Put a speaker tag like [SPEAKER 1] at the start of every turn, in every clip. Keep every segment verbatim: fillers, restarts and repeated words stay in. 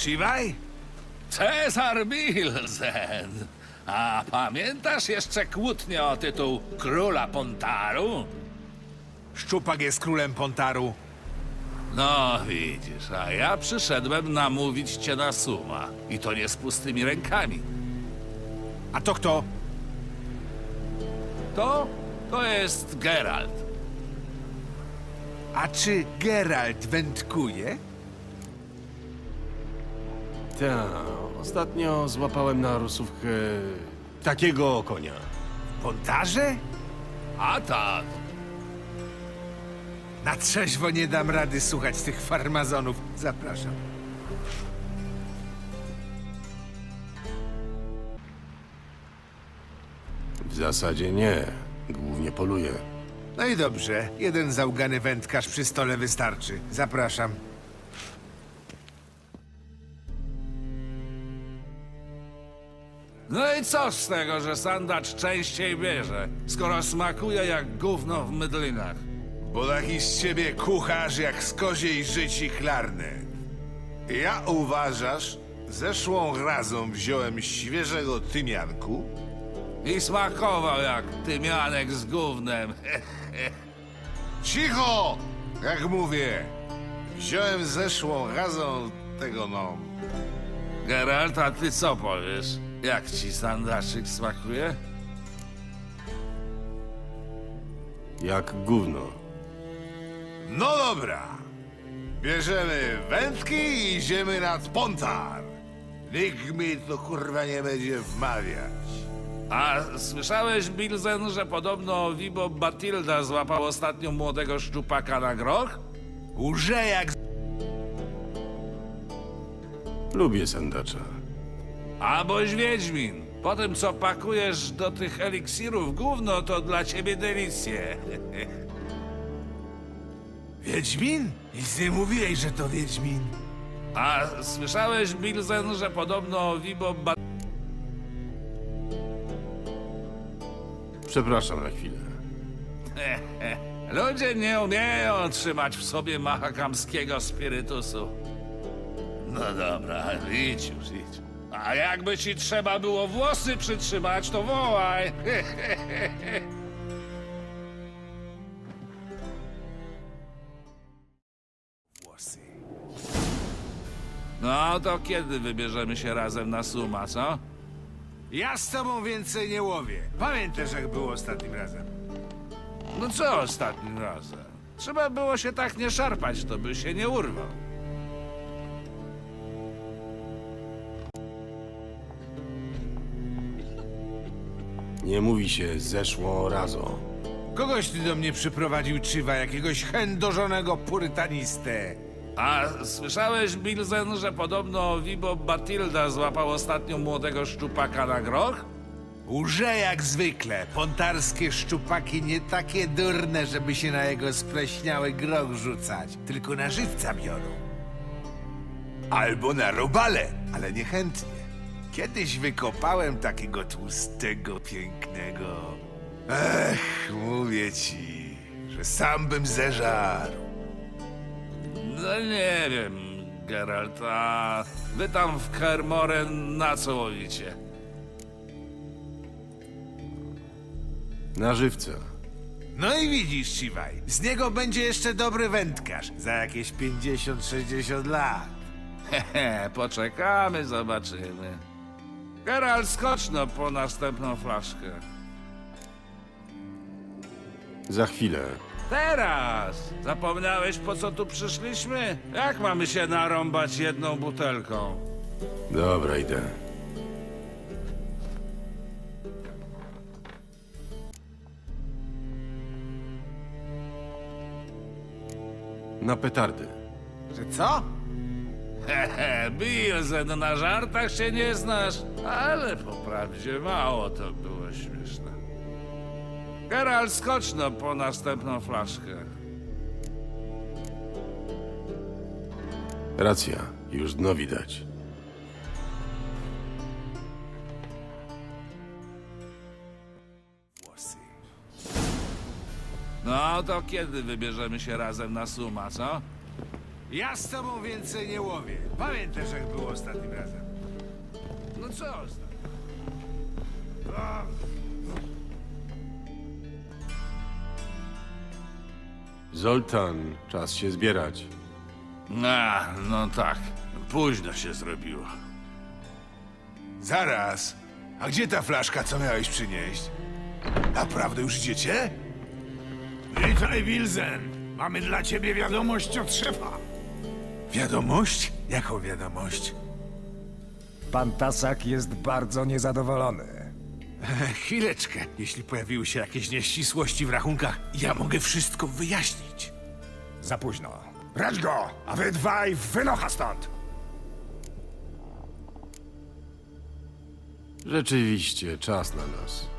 [SPEAKER 1] Siwaj?
[SPEAKER 2] Cezar Bilzen! A pamiętasz jeszcze kłótnię o tytuł Króla Pontaru?
[SPEAKER 1] Szczupak jest królem Pontaru.
[SPEAKER 2] No widzisz, a ja przyszedłem namówić cię na suma. I to nie z pustymi rękami.
[SPEAKER 1] A to kto?
[SPEAKER 2] To? To jest Geralt.
[SPEAKER 1] A czy Geralt wędkuje?
[SPEAKER 3] Ta, ostatnio złapałem na rusówkę takiego konia.
[SPEAKER 1] W Pontarze?
[SPEAKER 2] A tak.
[SPEAKER 1] Na trzeźwo nie dam rady słuchać tych farmazonów. Zapraszam.
[SPEAKER 3] W zasadzie nie. Głównie poluję.
[SPEAKER 1] No i dobrze. Jeden załgany wędkarz przy stole wystarczy. Zapraszam.
[SPEAKER 2] No i co z tego, że sandacz częściej bierze, skoro smakuje jak gówno w mydlinach?
[SPEAKER 1] Bo taki z ciebie kucharz jak z koziej życi chlarny. Ja uważasz, zeszłą razą wziąłem świeżego tymianku,
[SPEAKER 2] I smakował jak tymianek z gównem.
[SPEAKER 1] cicho! Jak mówię, wziąłem zeszłą razą tego no...
[SPEAKER 2] Geralt, a ty co powiesz? Jak ci sandaczyk smakuje?
[SPEAKER 3] Jak gówno.
[SPEAKER 1] No dobra. Bierzemy wędki i idziemy nad Pontar. Nikt mi to kurwa nie będzie wmawiać.
[SPEAKER 2] A słyszałeś, Bilzen, że podobno Vibo Batilda złapał ostatnio młodego szczupaka na groch?
[SPEAKER 1] Łże jak...
[SPEAKER 3] Lubię sandacza.
[SPEAKER 2] A boś Wiedźmin. Po tym, co pakujesz do tych eliksirów gówno, to dla ciebie delicje.
[SPEAKER 1] Wiedźmin? Nic nie mówiłeś, że to Wiedźmin.
[SPEAKER 2] A słyszałeś, Bilzen, że podobno Vibo Batilda...
[SPEAKER 3] Przepraszam na chwilę.
[SPEAKER 2] Ludzie nie umieją trzymać w sobie mahakamskiego spirytusu. No dobra, idź już, idź. A jakby ci trzeba było włosy przytrzymać, to wołaj.
[SPEAKER 1] Włosy.
[SPEAKER 2] No to kiedy wybierzemy się razem na suma, co?
[SPEAKER 1] Ja z tobą więcej nie łowię. Pamiętasz, jak było ostatnim razem?
[SPEAKER 2] No co ostatnim razem? Trzeba było się tak nie szarpać, to by się nie urwał.
[SPEAKER 3] Nie mówi się zeszłą razą.
[SPEAKER 1] Kogoś ty do mnie przyprowadził, Czywa, jakiegoś chędożonego purytanistę.
[SPEAKER 2] A słyszałeś, Bilzen, że podobno Vibo Batilda złapał ostatnio młodego szczupaka na groch?
[SPEAKER 1] Łże jak zwykle. Pontarskie szczupaki nie takie durne, żeby się na jego spleśniały groch rzucać. Tylko na żywca biorą. Albo na robale, ale niechętnie. Kiedyś wykopałem takiego tłustego, pięknego. Ech, mówię ci, że sam bym zeżarł.
[SPEAKER 2] No nie wiem, Geralt, a wy tam w Kermoren na co łowicie?
[SPEAKER 3] Na żywca.
[SPEAKER 1] No i widzisz, Siwaj, z niego będzie jeszcze dobry wędkarz za jakieś pięćdziesiąt sześćdziesiąt lat.
[SPEAKER 2] Hehe, poczekamy, zobaczymy. Geralt, skocz no po następną flaszkę.
[SPEAKER 3] Za chwilę.
[SPEAKER 2] Teraz! Zapomniałeś, po co tu przyszliśmy? Jak mamy się narąbać jedną butelką?
[SPEAKER 3] Dobra, idę. Na petardy.
[SPEAKER 1] Że co?
[SPEAKER 2] Hehe, Bilzen, na żartach się nie znasz, ale po prawdzie mało to było śmieszne. Geralt, skocz no po następną flaszkę.
[SPEAKER 3] Racja, już dno widać.
[SPEAKER 1] Włosy.
[SPEAKER 2] No to kiedy wybierzemy się razem na suma, co?
[SPEAKER 1] Ja z tobą więcej nie łowię. Pamiętasz, jak było ostatnim razem?
[SPEAKER 2] No co?
[SPEAKER 3] Zoltan, czas się zbierać.
[SPEAKER 2] A, no tak. Późno się zrobiło.
[SPEAKER 1] Zaraz. A gdzie ta flaszka, co miałeś przynieść? Naprawdę już idziecie?
[SPEAKER 4] Witaj, Wilzen. Mamy dla ciebie wiadomość od szefa.
[SPEAKER 1] Wiadomość? Jaką wiadomość?
[SPEAKER 5] Pan Tasak jest bardzo niezadowolony.
[SPEAKER 1] Chwileczkę. Jeśli pojawiły się jakieś nieścisłości w rachunkach, ja mogę wszystko wyjaśnić.
[SPEAKER 5] Za późno.
[SPEAKER 4] Brać go, a wy dwaj wynocha stąd.
[SPEAKER 3] Rzeczywiście, czas na nas.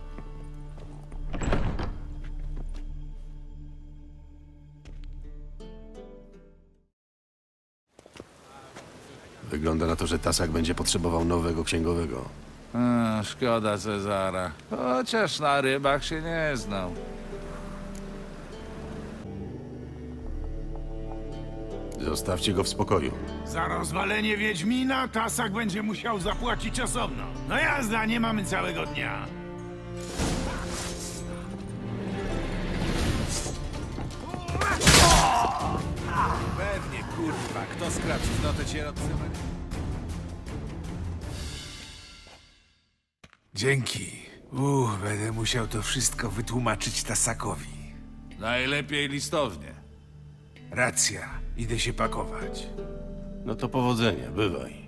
[SPEAKER 3] Wygląda na to, że Tasak będzie potrzebował nowego księgowego.
[SPEAKER 2] A, szkoda Cezara. Chociaż na rybach się nie znał.
[SPEAKER 3] Zostawcie go w spokoju.
[SPEAKER 4] Za rozwalenie Wiedźmina Tasak będzie musiał zapłacić osobno. No jazda, nie mamy całego dnia.
[SPEAKER 1] Pewnie, kurwa. Kto skradł cnotę cierotcy? Dzięki. Uff, będę musiał to wszystko wytłumaczyć Tasakowi.
[SPEAKER 2] Najlepiej listownie.
[SPEAKER 1] Racja. Idę się pakować.
[SPEAKER 3] No to powodzenia, bywaj.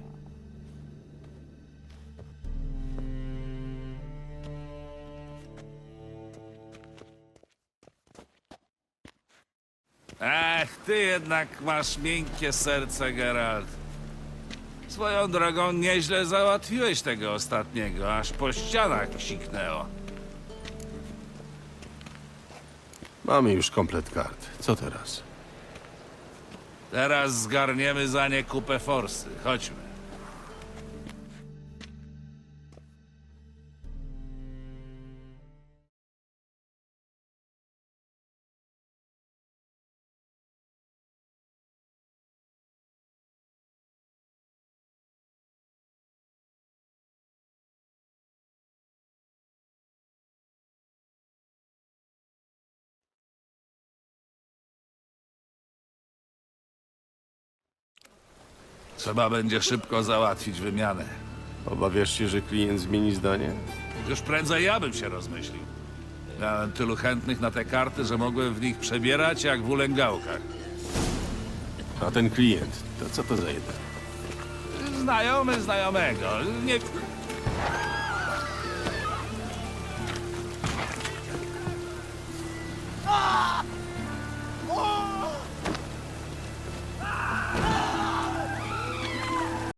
[SPEAKER 2] Ech, ty jednak masz miękkie serce, Geralt. Swoją drogą nieźle załatwiłeś tego ostatniego, aż po ścianach siknęło.
[SPEAKER 3] Mamy już komplet kart. Co teraz?
[SPEAKER 2] Teraz zgarniemy za nie kupę forsy. Chodźmy. Trzeba będzie szybko załatwić wymianę.
[SPEAKER 3] Obawiasz się, że klient zmieni zdanie?
[SPEAKER 2] Już prędzej ja bym się rozmyślił. Miałem tylu chętnych na te karty, że mogłem w nich przebierać jak w ulęgałkach.
[SPEAKER 3] A ten klient, to co to za jeden?
[SPEAKER 2] Znajomy znajomego. Nie...